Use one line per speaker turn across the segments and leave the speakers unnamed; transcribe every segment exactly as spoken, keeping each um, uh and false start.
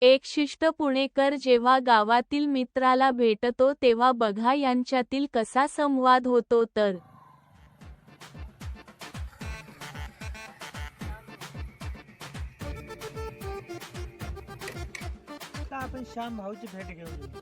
एक शिष्ट पुणेकर जेव्हा गावातील मित्राला भेटतो तेव्हा बघा यांच्यातील कसा संवाद होतो तर
आता आपण श्याम भाऊची भेट घेऊन येऊ.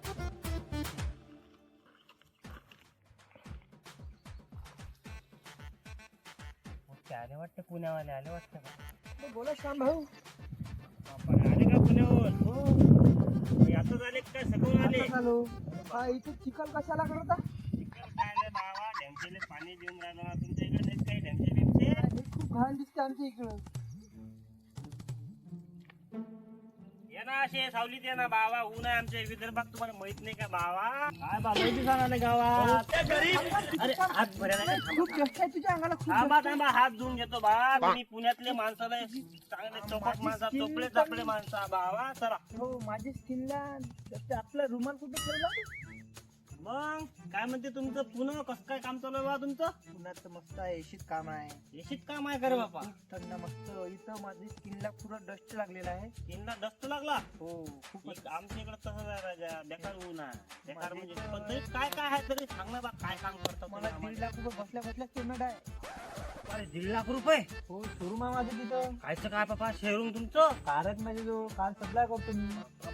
ते आले वाटतं, पुण्यावाले आले वाटतं का?
बोला श्याम भाऊ.
आपण आले का पुण्याहून?
हो
हे आताच आले काय सगळं आले?
आता आलो. हा इथे चिखल कशाला करता?
चिखल काय रे बाबा, ढेमशेले पाणी देऊन राहिलो ना तुमच्या इकडे नाहीत काही ढेमशे बिमशे?
हे खूप घाण दिसते आमच्या इकडं.
ये ना असे सावलीत ये ना बाबा, ऊन आहे आमच्या विदर्भात, तुम्हाला माहित नाही का बाबा? काय बाबा माहिती सांगा ना गावात. अरे हात भरायला काय थांबा.
खूप कष्ट आहे तुझ्या अंगाला, खूप
थांबा
कष्ट आहे.
थांबा, हात धुवून घेतो बा. तुम्ही पुण्यातले माणसं लय चांगले चौकट माणसा, चोपडे चापडे माणसा बाबा. चला
हो माझी स्किनला आपला रुमाल कुठे ठेवला?
मग काय म्हणते तुमचं पुणे कसं काय काम चालू आहे बा तुमचं?
पुण्यात तर मस्त आहे, एशीत काम आहे.
येशीत काम आहे करे बापा?
खूप थंड मस्त. इथं माझी स्किनला पुरा डस्ट लागलेला आहे.
तीनला डस्ट लागला.
हो खूपच.
एक आमच्या इकडे तसंच आहे राजा, बेकार ऊन आहे. बेकार म्हणजे पण तरी काय काय आहे तरी सांग ना बा, काय काम करता
मला
तुम्ही
दीड
आम्हाला?
लाख रुपये बसल्या बसल्या पेमेंट आहे.
अरे दीड लाख रुपये
हो शोरूम आहे माझं तिथं.
कायचं काय बापा शहरून तुमचं?
कारच माझे जो कार सप्लाय करतो मी.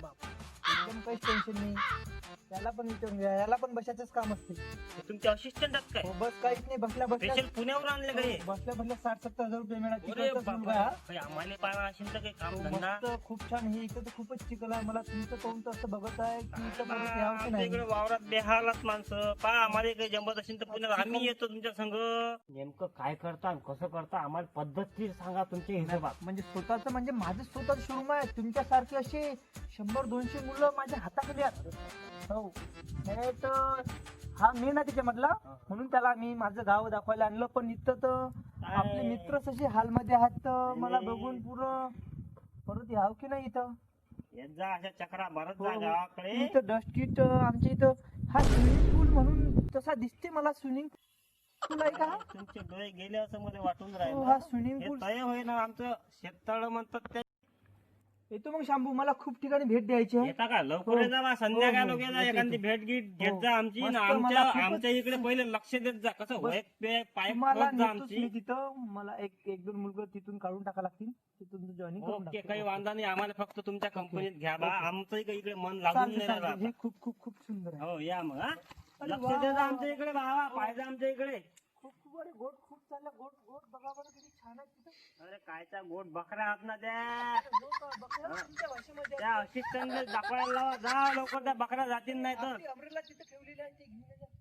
एकदम काहीच टेन्शन नाही. त्याला पण विचारून घ्या, याला पण बसायचंच काम असते.
हे तुमचे असिस्टंट आहेत काय?
हो बस काहीच नाही, बसल्या बसल्या
स्पेशल पुण्यावर आणले का हे?
बसल्या बसल्या साठ सत्तर हजार रुपये मिळाले.
अरे
तिकडचाच मुलगा
बाबा,
हा.
काही आम्हाला पाहिजे असेल तर काही काम
हो,
धंदा.
मस्त खूप छान. हे इथं तर खूपच चिकल आहे. मला तुमचं पाहून तर असं बघत आहे की इथं परत यावं की
आमच्या
नाही.
इकडे वावरात बेहालात माणसं पा, आम्हाला काही जमत असेल तर पुण्यात आम्ही येतो तुमच्या संग. नेमकं काय करता आणि कसं करता आम्हाला पद्धतशीर सांगा तुमच्या हिशोबात.
म्हणजे स्वतःच म्हणजे माझं स्वतःच शोरूम आहे. तुमच्यासारखे असे शंभर दोनशे मुलं माझ्या हाताखाली आहेत. हो हे तर हा मी ना त्याच्यामधला, म्हणून त्याला मी माझं गाव दाखवायला आणलं. पण इथं तर आपले मित्रच असे हालमध्ये आहेत, तर मला बघून पुरं परत यावं की नाही इथं.
येत जा अशा चक्रा मारत
हो,
जा
हो.
गावाकडे.
इथं डस्टीत आमच्या इथं हा स्विमिंग पूल म्हणून तसा दिसते मला. स्विमिंग पूल आहे का?
तुमचे डोळे गेले असं मला वाटून
हो,
राहिलं.
हा स्विमिंग
हे
पूल.
तय होय ना आमचं शेततळ म्हणतात ते.
येतो मग शांभू, मला खूप ठिकाणी भेट द्यायची आहे.
येता का लवकर
हो.
ये जा बा, संध्याकाळ
हो, हो.
लोक जा,
येतो,
एखादी
येतो.
भेट गीट घेत
हो.
जा आमची
मस्त,
ना.
मला
आमच्या
खूपच-
आमच्या इकडे पहिले लक्ष देत जा, कसं
बस.
वय पे पाय
तुम्हाला
जा
नेतोच मी
आमची.
तिथं. मला एक एक दोन मुलगा तिथून काढून टाका लागतील, तिथून जॉईनिंग करून
ओके,
टाकतो.
काही वांधा नाही. आम्हाला फक्त तुमच्या कंपनीत घ्या बा.
ओके.
आमचं इकडे इकडे मन लागून
चालते,
नाही
चालते.
राहिलं
हे खूप खूप खूप सुंदर आहे.
आता. हो या मग हा.
अरे
लक्ष
वा.
दे जा आमच्या इकडे बाबा, पाहिजे आमच्या इकडे.
खूप खूप अरे गोट खूप चालला. गोट गोट बघा बरं किती छान आहे तिथं.
अरे कायचा गोट बकऱ्या आहात ना त्या.
गोट बघा
हा.
तुमच्या भाषेमध्ये.
त्या असिस्टंट दाखवायला लावा, जा लवकर, त्या बकऱ्या जातील नाही तर.
आपली umbrella तिथं ठेवलेली आहे, ते घेऊन ये जा.